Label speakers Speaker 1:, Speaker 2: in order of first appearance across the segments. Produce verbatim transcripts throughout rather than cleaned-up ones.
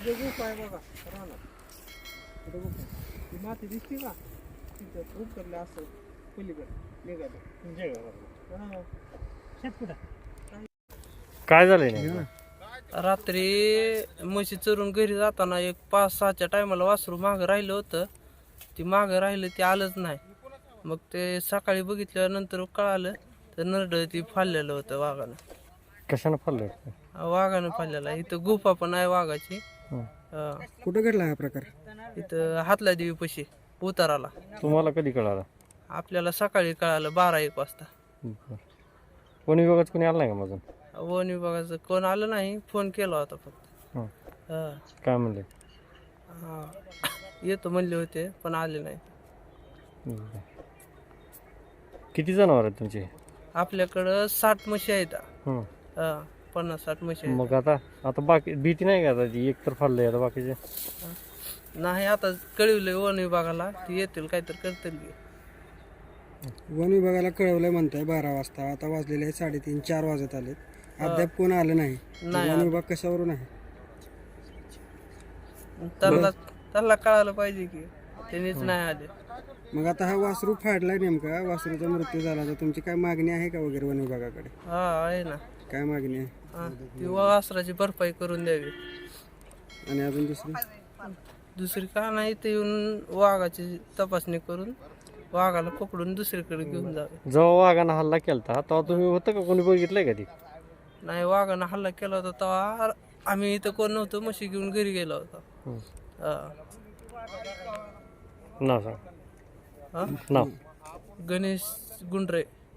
Speaker 1: तिथे गुफा आहे बघा रानात. तिथे गुफा ती माती दिसते का तिथं उतरले असं पलीकडे निघाले तुमच्या घरात. शेत कुठं
Speaker 2: काय झालंय नेमकं?
Speaker 3: रात्री म्हशी चरून घरी जाताना एक पाच सहाच्या टायमाला वासरू मागं राहिलं होतं. ती मागं राहिलं ते आलंच नाही. मग ते सकाळी बघितल्यानंतर कळालं तर नरड ती फाडलेलं होतं वाघानं.
Speaker 2: कशानं फाडलंय?
Speaker 3: वाघानं फाडलेलं आहे. इथं गुफा पण आहे वाघाची.
Speaker 2: हं.
Speaker 3: हा.
Speaker 1: कुठं घडला हा प्रकार?
Speaker 3: इथं हातला देवी पशी उताराला.
Speaker 2: तुम्हाला कधी कळालं?
Speaker 3: आपल्याला सकाळी कळालं बारा एक वाजता.
Speaker 2: बरं. वन विभागात कोणी आलं नाही का माझं?
Speaker 3: वन विभागाचं कोण आलं नाही. फोन केला होता फक्त.
Speaker 2: हं.
Speaker 3: हा.
Speaker 2: काय म्हणले?
Speaker 3: हा. येतो म्हणले होते पण आले नाही.
Speaker 2: बरं. किती जनावर आहेत तुमचे?
Speaker 3: आपल्याकडं साठ म्हशी आहेत.
Speaker 2: हं.
Speaker 3: हा, पन्नास साठ म्हशी आहेत.
Speaker 2: मग आता आता बाकी भीती नाही का आता ती एक तर फाडलंय आता बाकीचे?
Speaker 3: नाही आता कळवलंय वन विभागाला ती येतील काहीतरी करतील की.
Speaker 1: वन विभागाला कळवलंय म्हणताय बारा वाजता. आता वाजलेले आहे साडेतीन चार वाजत आले. अद्याप कोण आलं नाही.
Speaker 3: नाही
Speaker 1: वन
Speaker 3: आलं.
Speaker 1: विभाग कशावरून आहे?
Speaker 3: त्यांना त्यांना कळायला पाहिजे की त्यांनीच नाही आले.
Speaker 1: मग आता हा वासरू फाडलाय नेमका, वासरूचा मृत्यू झाला तर तुमची काय मागणी आहे का वगैरे वन विभागाकडे?
Speaker 3: हा आहे ना.
Speaker 1: काय मागणी आहे?
Speaker 3: हा, ती वासराची भरपाई करून द्यावी.
Speaker 1: आणि अजून दुसरी?
Speaker 3: दुसरी का नाही ते येऊन वाघाची तपासणी करून वाघाला पकडून दुसरीकडे घेऊन जावे.
Speaker 2: जेव्हा वाघानं हल्ला केलता तेव्हा तुम्ही होतं का? कोणी बघितलंय का ती?
Speaker 3: नाही वाघानं हल्ला केला होता तेव्हा आम्ही इथं कोण नव्हतो. म्हशी घेऊन घरी गेलो होतो.
Speaker 2: हं.
Speaker 3: हा.
Speaker 2: नाव सांग.
Speaker 3: हा?
Speaker 2: नाव?
Speaker 3: गणेश गुंडरे.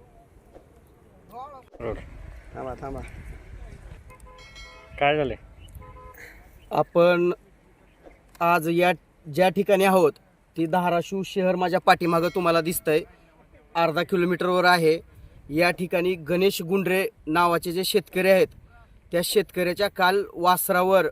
Speaker 2: रोड.
Speaker 1: थांबा थांबा.
Speaker 2: काय झालंय?
Speaker 4: आपण आज या ज्या ठिकाणी आहोत ती धाराशिव शहर माझ्या पाठीमागं तुम्हाला दिसतंय. अर्धा किलोमीटरवर आहे. या ठिकाणी गणेश गुंडरे नावाचे जे शेतकरी आहेत त्या शेतकऱ्याच्या काल वासरावर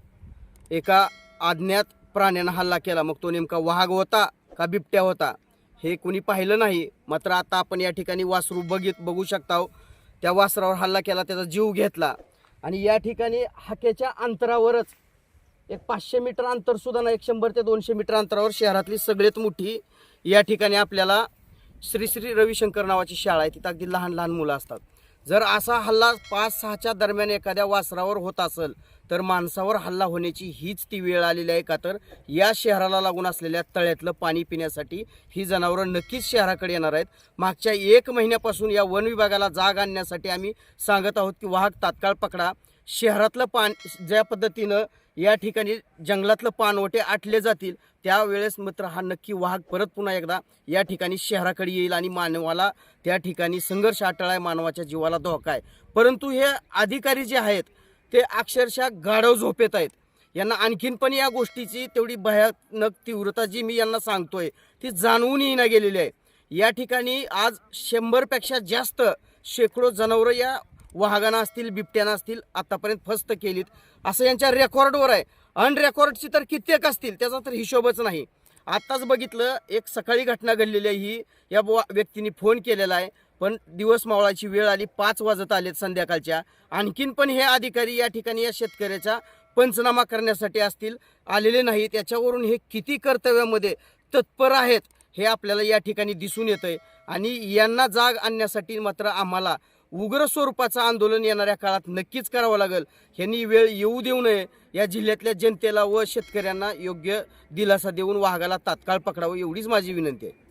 Speaker 4: एका अज्ञात प्राण्यानं हल्ला केला. मग तो नेमका वाघ होता का बिबट्या होता हे कोणी पाहिलं नाही. मात्र आता आपण या ठिकाणी वासरू बघित बघू शकता. त्या वासरावर हल्ला केला, त्याचा जीव घेतला. आणि या ठिकाणी हाकेच्या अंतरावरच एक पाचशे मीटर अंतर सुद्धा नाही, एक शंभर ते दोनशे मीटर अंतरावर शहरातली सगळ्यात मोठी या ठिकाणी आपल्याला श्री श्री रविशंकर नावाची शाळा आहे. तिथं अगदी लहान लहान मुलं असतात. जर असा हल्ला पाच सहाच्या दरम्यान एखाद्या वासरावर होत असेल तर माणसावर हल्ला होण्याची हीच ती वेळ आलेली आहे. का तर या शहराला लागून असलेल्या तळ्यातलं पाणी पिण्यासाठी ही जनावरं नक्कीच शहराकडे येणार आहेत. मागच्या एक महिन्यापासून या वन विभागाला जाग आणण्यासाठी आम्ही सांगत आहोत की वाहक तात्काळ पकडा. शहरातलं पान ज्या पद्धतीनं या ठिकाणी जंगलातलं पानवटे आटले जातील त्यावेळेस मात्र हा नक्की वाहक परत पुन्हा एकदा या ठिकाणी शहराकडे येईल आणि मानवाला त्या ठिकाणी संघर्ष अटळ मानवाच्या जीवाला धोका आहे. परंतु हे अधिकारी जे आहेत ते अक्षरशः गाढव झोपेत आहेत. यांना आणखीन पण या गोष्टीची तेवढी भयानक तीव्रता जी मी यांना सांगतोय ती जाणवूनही न गेलेली आहे. या ठिकाणी आज शंभरपेक्षा जास्त शेकडो जनावरं या वाघांना असतील बिबट्याना असतील आतापर्यंत फस्त केलीत असं यांच्या रेकॉर्डवर आहे. अनरेकॉर्डची तर कित्येक असतील त्याचा तर हिशोबच नाही. आत्ताच बघितलं एक सकाळी घटना घडलेली आहे. ही या व्यक्तीने फोन केलेला आहे पण दिवस मावळाची वेळ आली, पाच वाजत आलेत संध्याकाळच्या. आणखीन पण हे अधिकारी या ठिकाणी या शेतकऱ्याचा पंचनामा करण्यासाठी असतील आलेले नाहीत. त्याच्यावरून हे किती कर्तव्यामध्ये तत्पर आहेत हे आपल्याला या ठिकाणी दिसून येतंय. आणि यांना जाग आणण्यासाठी मात्र आम्हाला उग्र स्वरूपाचं आंदोलन येणाऱ्या काळात नक्कीच करावं लागेल. ह्यांनी वेळ येऊ देऊ नये. या जिल्ह्यातल्या जनतेला व शेतकऱ्यांना योग्य दिलासा देऊन वाघाला तात्काळ पकडावं एवढीच माझी विनंती आहे.